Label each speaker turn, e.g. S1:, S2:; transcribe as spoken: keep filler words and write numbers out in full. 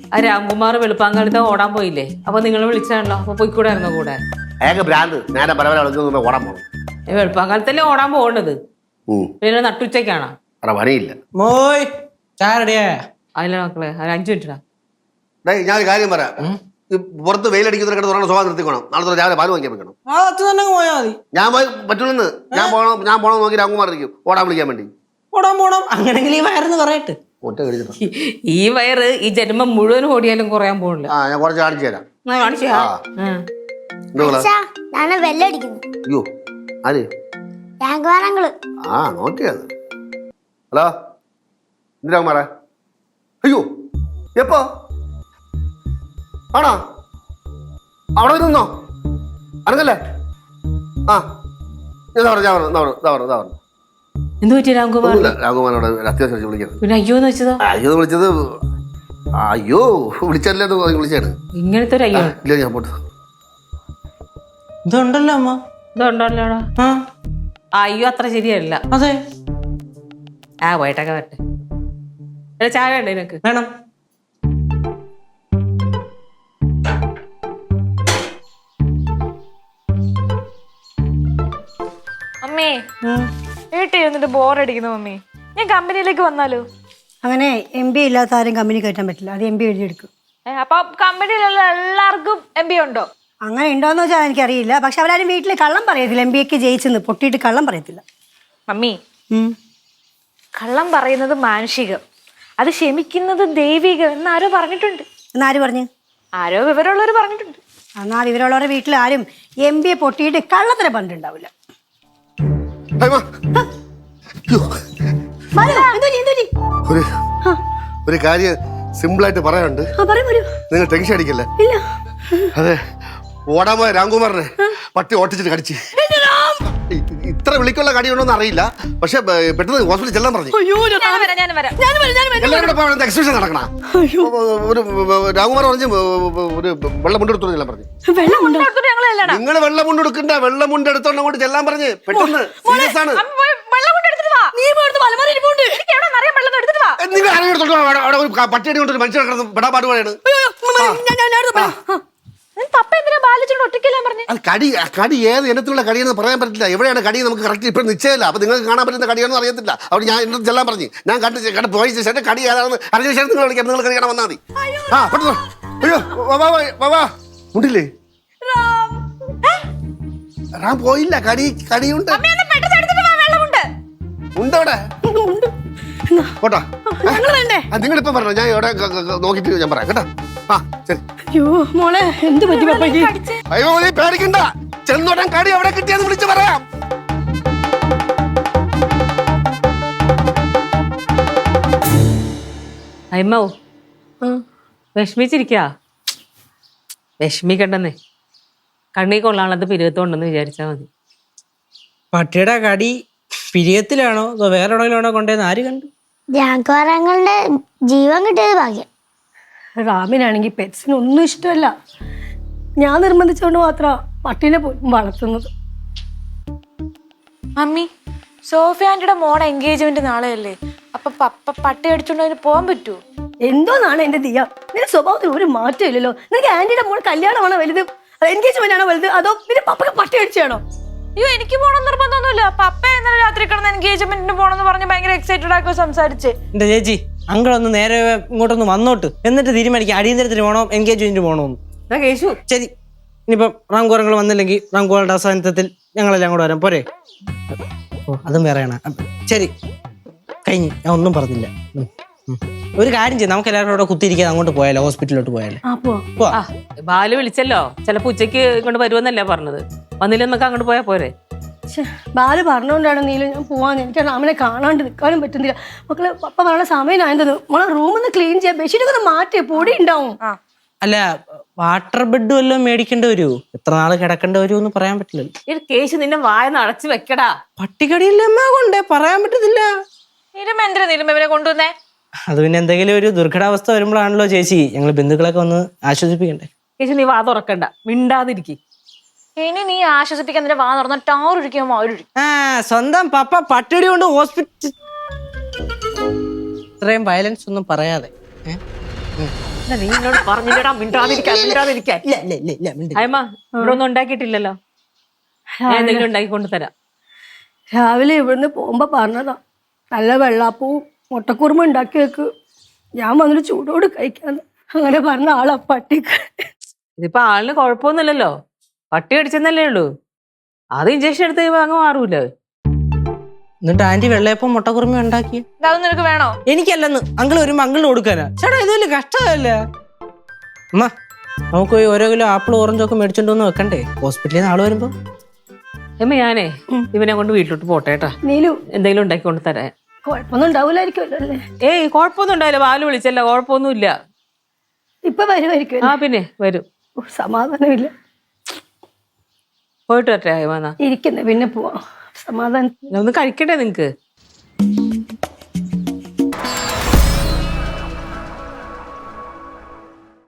S1: ആ രാംകുമാർ വെളുപ്പാങ്കാലത്ത് ഓടാൻ പോയില്ലേ? അപ്പൊ നിങ്ങൾ വിളിച്ചാണല്ലോ, അപ്പൊ പോയിക്കൂടായിരുന്നോ കൂടെ?
S2: അയാൾക്ക് ഭ്രാന്ത് നേരെ പല പല കളിക്കുന്ന ഓടാൻ പോകണം.
S1: വെളുപ്പാങ്കാലത്തല്ലേ ഓടാൻ പോകേണ്ടത്, പിന്നെ നട്ടുച്ചയ്ക്കാണോ?
S2: പണിയില്ല.
S3: മോയ് ചാരടിയാ
S1: അതിലെ മക്കളെ ഒരു അഞ്ചു മിനിറ്റാ.
S2: ഞാൻ ഒരു കാര്യം പറയാം, പുറത്ത് വെയിലടിക്കുന്നതിനെ തുറന്ന സ്വഭാവം നിർത്തിക്കണം. നാളെ രാവിലെ പാല് വാങ്ങിക്കാൻ വെക്കണം.
S3: പോയാ മതി.
S2: ഞാൻ പോയി പറ്റൂലെന്ന്. ഞാൻ പോകണം ഞാൻ പോകണം നോക്കി രാംകുമാർ ഇരിക്കും ഓടാൻ വിളിക്കാൻ വേണ്ടി.
S3: ഓടാൻ പോണം അങ്ങനെങ്കിൽ ഈ വയറെന്ന് പറയട്ടെ.
S2: ഒറ്റ കഴിച്ചിട്ട്
S1: ഈ വയറ് ഈ ജന്മം മുഴുവൻ ഓടിയാലും കുറയാൻ പോകില്ല.
S2: ആ ഞാൻ കുറച്ച് കാണിച്ചു തരാം. അയ്യോ ആര്? ആ നോക്കിയത്. ഹലോ എന്ത് രാംകുമാറേ? അയ്യോ എപ്പോ ആണോ? അവിടെ നിന്നോ അനങ്ങല്ലേ? ആ ഞാൻ പറഞ്ഞു ഞാൻ പറഞ്ഞു ഇതാ പറഞ്ഞു ഇതാ പറഞ്ഞു.
S1: എന്ത് പറ്റി രാംകുമാർ?
S2: രാംകുമാരോട് അത്യാവശ്യം വിളിക്കുന്നത്.
S1: പിന്നെ അയ്യോന്ന് വെച്ചതോ?
S2: അയ്യോ വിളിച്ചത് അയ്യോ വിളിച്ചല്ലേ വിളിച്ചാണ്.
S1: ഇങ്ങനത്തെ ഒരു അയ്യോ
S2: ഇല്ല ഞാൻ പോട്ട്
S3: ഇതുണ്ടല്ലോ അമ്മ.
S1: ഇതുണ്ടല്ലോടാ. അയ്യോ അത്ര ശരിയല്ല.
S3: അതെ
S1: ആ പോയിട്ടൊക്കെ വരട്ടെ. ചായ വേണ്ട നിനക്ക്?
S3: വേണം.
S4: മമ്മി വീട്ടിൽ ഇരുന്നിട്ട് ബോറടിക്കുന്നു മമ്മി. ഞാൻ കമ്പനിയിലേക്ക് വന്നാലോ?
S5: അങ്ങനെ എം ബി ഇല്ലാത്ത ആരും കമ്പനി കയറ്റാൻ പറ്റില്ല. അത് എം ബി എഴുതിയെടുക്കും.
S4: അപ്പൊ കമ്പനിയിലുള്ള എല്ലാവർക്കും എം ബി ഉണ്ടോ?
S5: അങ്ങനെ ഉണ്ടോന്ന് വെച്ചാൽ എനിക്കറിയില്ല. പക്ഷെ അവരാരും വീട്ടിൽ കള്ളം പറയത്തില്ല. എം ബി എക്ക് ജയിച്ചെന്ന് പൊട്ടിയിട്ട് കള്ളം പറയത്തില്ല.
S4: മമ്മി കള്ളം പറയുന്നത് മാനുഷികം, അത് ക്ഷമിക്കുന്നത് ദൈവികം എന്നാരോ പറഞ്ഞിട്ടുണ്ട്.
S5: എന്നാര് പറഞ്ഞു?
S4: ആരോ വിവരമുള്ളവർ പറഞ്ഞിട്ടുണ്ട്.
S5: എന്നാൽ വിവരമുള്ളവരുടെ വീട്ടിൽ ആരും എം ബി എ പൊട്ടിയിട്ട് കള്ളത്തിന് പറഞ്ഞിട്ടുണ്ടാവില്ല.
S2: ഒരു ഒരു കാര്യം സിമ്പിൾ ആയിട്ട് പറയാനുണ്ട്. നിങ്ങൾ ടെൻഷൻ അടിക്കല്ലേ? അതെ ഓടാൻ പോയ രാംകുമാറിനെ പട്ടി ഓട്ടിച്ചിട്ട് കടിച്ച്. ഇത്ര വിളിക്കുള്ള കടിയുണ്ടോന്ന് അറിയില്ല, പക്ഷെ പെട്ടെന്ന് ഹോസ്പിറ്റലിൽ ചെല്ലാൻ പറഞ്ഞു. എല്ലാവരും എക്സിബിഷൻ നടക്കണ. ഒരു രാംകുമാർ പറഞ്ഞു ഒരു വെള്ളം മുണ്ടെടുത്തോണ്ട് ചെല്ലാൻ പറഞ്ഞു. നിങ്ങൾ വെള്ളം മുണ്ടെടുക്കണ്ട, വെള്ളം മുണ്ടെടുത്തോണ്ട് അങ്ങോട്ട് ചെല്ലാൻ പറഞ്ഞ് പെട്ടെന്ന് സീരിയസ് ആണ്. നിങ്ങൾ ആരെടുത്തോട്ടോ അവിടെ ഒരു പട്ടിയടി കൊണ്ട് ഒരു മനുഷ്യൻ കിടന്ന് പെടാപാട് പോലെയാണ്. കടി കടി ഏത് ഇനത്തിലുള്ള കടിയെന്ന് പറയാൻ പറ്റില്ല. എവിടെയാണ് കടി നമുക്ക് കറക്റ്റ് ഇപ്പം നിശ്ചയമില്ല. അപ്പൊ നിങ്ങൾക്ക് കാണാൻ പറ്റുന്ന കടിയാണെന്ന് അറിയത്തില്ല. അവിടെ ഞാൻ എന്നെ ചെല്ലാൻ പറഞ്ഞു. ഞാൻ കണ്ട് കണ്ട് പോയ ശേഷം കടി ഏതാണെന്ന് അറിഞ്ഞ ശേഷം നിങ്ങൾ വിളിക്കാം. നിങ്ങൾ കടി കാണാൻ വന്നാൽ മതി. ആ പെട്ടെന്ന് അയ്യോ വാ ഉണ്ടില്ലേ? റാം പോയില്ല. കടി കടിയുണ്ട് ഉണ്ടവിടെ. പോട്ടാ നിങ്ങളിപ്പം പറഞ്ഞോ, ഞാൻ ഇവിടെ നോക്കിട്ട് ഞാൻ പറയാം കേട്ടോ. ആ ശരി.
S5: അയ്യോ മോളെ എന്ത് പറ്റി പപ്പയ്ക്ക്?
S2: അയ്യോ നീ പേടിക്കണ്ട, ചെന്നോട്ടൻ കടി എവിടെ കിട്ടിയെന്ന് വിളിച്ച് പറയാം.
S1: അയ്മോ വിഷമിച്ചിരിക്കാ? വിഷമിക്കണ്ടെന്നേ, കണ്ണീ കൊള്ളാനുള്ളത് പിരുവത്തോണ്ടെന്ന് വിചാരിച്ചാ മതി.
S3: പട്ടിയുടെ കടി പിരിയത്തിലാണോ അതോ വേറെ എവിടെയെങ്കിലാണോ കൊണ്ടുവന്ന് ആര് കണ്ടു?
S6: രാഘവങ്ങളുടെ ജീവൻ കിട്ടിയത് ഭാഗ്യം.
S5: റാമിനാണെങ്കിൽ പെറ്റ്സിന് ഒന്നും ഇഷ്ടമല്ല. ഞാൻ നിർബന്ധിച്ചുകൊണ്ട് മാത്രം പട്ടീനെ പോലും വളർത്തുന്നത്.
S4: മമ്മി സോഫിയ ആന്റിയുടെ മോടെ എൻഗേജ്മെന്റ് നാളെയല്ലേ? അപ്പൊ പപ്പ പട്ടി അടിച്ചോണ്ട് അതിന് പോകാൻ പറ്റുമോ?
S5: എന്തോന്നാണ് എന്റെ ദിയ, നിന്റെ സ്വഭാവത്തിൽ ഒരു മാറ്റം ഇല്ലല്ലോ. നിനക്ക് ആന്റിയുടെ മോൾ കല്യാണമാണോ വലുത്, എൻഗേജ്മെന്റ് ആണോ വലുത്, അതോ പിന്നെ പപ്പക്ക് പട്ടി അടിച്ചാണോ?
S4: അയ്യോ എനിക്ക് പോകണം നിർബന്ധമൊന്നുമില്ല. പപ്പ ഇന്നലെ രാത്രി കിടന്ന് എൻഗേജ്മെന്റിന് പോണെന്ന് പറഞ്ഞ് ഭയങ്കര എക്സൈറ്റഡ് ആക്കി സംസാരിച്ച്.
S3: എന്റെ ചേച്ചി അങ്കിളൊന്ന് നേരെ ഇങ്ങോട്ടൊന്ന് വന്നോട്ട്, എന്നിട്ട് തീരുമാനിക്കാം അടിയന്തരത്തിന് പോകണോ എൻഗേജ്മെന്റിന് പോകണോന്ന്.
S1: കേശു
S3: ശരി, ഇനിയിപ്പം റാംകുമാറങ്ങൾ വന്നില്ലെങ്കിൽ റാംകുമാറുടെ അവസാനത്തിൽ ഞങ്ങളെല്ലാം കൂടെ വരാം പോരെ? ഓ അതും വേറെയാണ്. ശരി കഴിഞ്ഞു, ഞാൻ ഒന്നും പറഞ്ഞില്ല. ഒരു കാര്യം ചെയ്യും, നമുക്ക് എല്ലാവരും കൂടെ കുത്തിയിരിക്കാതെ അങ്ങോട്ട് പോയാലോ, ഹോസ്പിറ്റലിലോട്ട് പോയാലോ?
S1: ബാലു വിളിച്ചല്ലോ, ചിലപ്പോ ഉച്ചക്ക് ഇങ്ങോട്ട് വരുമെന്നല്ലേ പറഞ്ഞത്. വന്നില്ല നമുക്ക് അങ്ങോട്ട് പോയാ പോരെ?
S5: ബാല് പറഞ്ഞോണ്ടാണ് നീലും ഞാൻ പോവാന്ന്. എനിക്ക് റാമിനെ കാണാണ്ട് നിൽക്കാനും പറ്റുന്നില്ല. മക്കളെ പപ്പ പറഞ്ഞ സമയമായത് മോളെ റൂമൊന്ന് ക്ലീൻ ചെയ്യാൻ, ബെഡ്ഷീറ്റൊക്കെ ഒന്ന് മാറ്റി, പൊടി ഉണ്ടാവും.
S3: അല്ല വാട്ടർ ബെഡ് വല്ലതും മേടിക്കേണ്ടി വരുമോ? എത്ര നാള് കിടക്കേണ്ടി വരുമോ എന്ന് പറയാൻ പറ്റില്ലല്ലോ.
S1: ഈ കേശു നിന്നെ വായന്ന് അടച്ചു വെക്കടാ.
S3: പട്ടികടിയില്ലമ്മ കൊണ്ടേ പറയാൻ പറ്റത്തില്ല.
S4: എന്തിനാ നീലും ഇവരെ കൊണ്ടുവന്നേ?
S3: അത് പിന്നെ എന്തെങ്കിലും ഒരു ദുർഘടാവസ്ഥ വരുമ്പോഴാണല്ലോ ചേച്ചി ഞങ്ങൾ ബന്ധുക്കളൊക്കെ ഒന്ന് ആശ്വസിപ്പിക്കണ്ടേ.
S1: കേശു നീ വാ തുറക്കണ്ട, മിണ്ടാതിരിക്കി.
S4: ഇനി നീ ആശ്വസിപ്പിക്കാൻ നിന്റെ വാ തുറന്ന ടാറൊഴിക്കുമ്പോ അവരൊഴിക്കും.
S3: ആ സ്വന്തം പപ്പ പട്ടിടി കൊണ്ട് ഹോസ്പിറ്റൽ. ഇത്രയും വയലൻസ് ഒന്നും പറയാതെ.
S1: നീ എന്നോട് പറഞ്ഞില്ലടാ മിണ്ടാതിരിക്കാൻ മിണ്ടാതിരിക്കാൻ
S3: ഇല്ല ഇല്ല ഇല്ല ഇല്ല മിണ്ടി.
S1: അയമ്മ ഇവിടെ ഒന്നും ഉണ്ടാക്കിയിട്ടില്ലല്ലോ ഞാൻ എന്തെങ്കിലും ഉണ്ടാക്കി കൊണ്ടുതരാം.
S5: രാവിലെ ഇവിടുന്ന് പോകുമ്പോ പറഞ്ഞതാ നല്ല വെള്ളാപ്പവും മുട്ടക്കുറുമ ഉണ്ടാക്കി വെക്ക്, ഞാൻ വന്നിട്ട് ചൂടോട് കഴിക്കാന്ന്. അങ്ങനെ പറഞ്ഞ ആളാ പട്ടിക്ക്.
S1: ഇതിപ്പോ ആളിന് കുഴപ്പമൊന്നുമില്ലല്ലോ, പട്ടി കടിച്ചെന്നല്ലേ ഉള്ളൂ. അത് ഇഞ്ചക്ഷൻ എടുത്ത് കഴിയുമ്പോ അങ്ങ് മാറൂലേ.
S3: എന്നിട്ട് ആന്റി വെള്ളയപ്പം മുട്ടക്കുറുമ ഉണ്ടാക്കി.
S4: അതൊന്നും നിനക്ക് വേണോ?
S3: എനിക്കല്ലെന്ന് അങ്കിൾ വരുമ്പോ അങ്കിളിന് കൊടുക്കാനാ. ചേട്ടാ ഇത് വലിയ കഷ്ടമല്ല. അമ്മ നമുക്ക് പോയി ഓരോ കിലോ ആപ്പിൾ ഓറഞ്ചും ഒക്കെ മേടിച്ചോണ്ട് വന്ന് വെക്കണ്ടേ ഹോസ്പിറ്റലിൽ നിന്ന് ആള് വരുമ്പോ.
S1: അമ്മ ഞാനേ ഇവനെ കൊണ്ട് വീട്ടിലോട്ട് പോട്ടെ കേട്ടാ,
S5: നീലു
S1: എന്തെങ്കിലും ഉണ്ടാക്കി കൊണ്ട് തരാൻ.
S5: കുഴപ്പമൊന്നും ഉണ്ടാവൂലായിരിക്കുമല്ലോ അല്ലേ?
S1: ഏയ് കുഴപ്പമൊന്നും ഉണ്ടായില്ല, ബാലു വിളിച്ചല്ല, കുഴപ്പമൊന്നുമില്ല.
S5: ഇപ്പൊ വരുമായിരിക്കും.
S1: ആ പിന്നെ വരും.
S5: സമാധാനമില്ല.
S1: പോയിട്ട് വരട്ടെ അയമാന്നാ
S5: ഇരിക്കുന്നേ, പിന്നെ പോവാം. സമാധാനം
S1: ഒന്ന് കഴിക്കട്ടെ നിങ്ങക്ക്.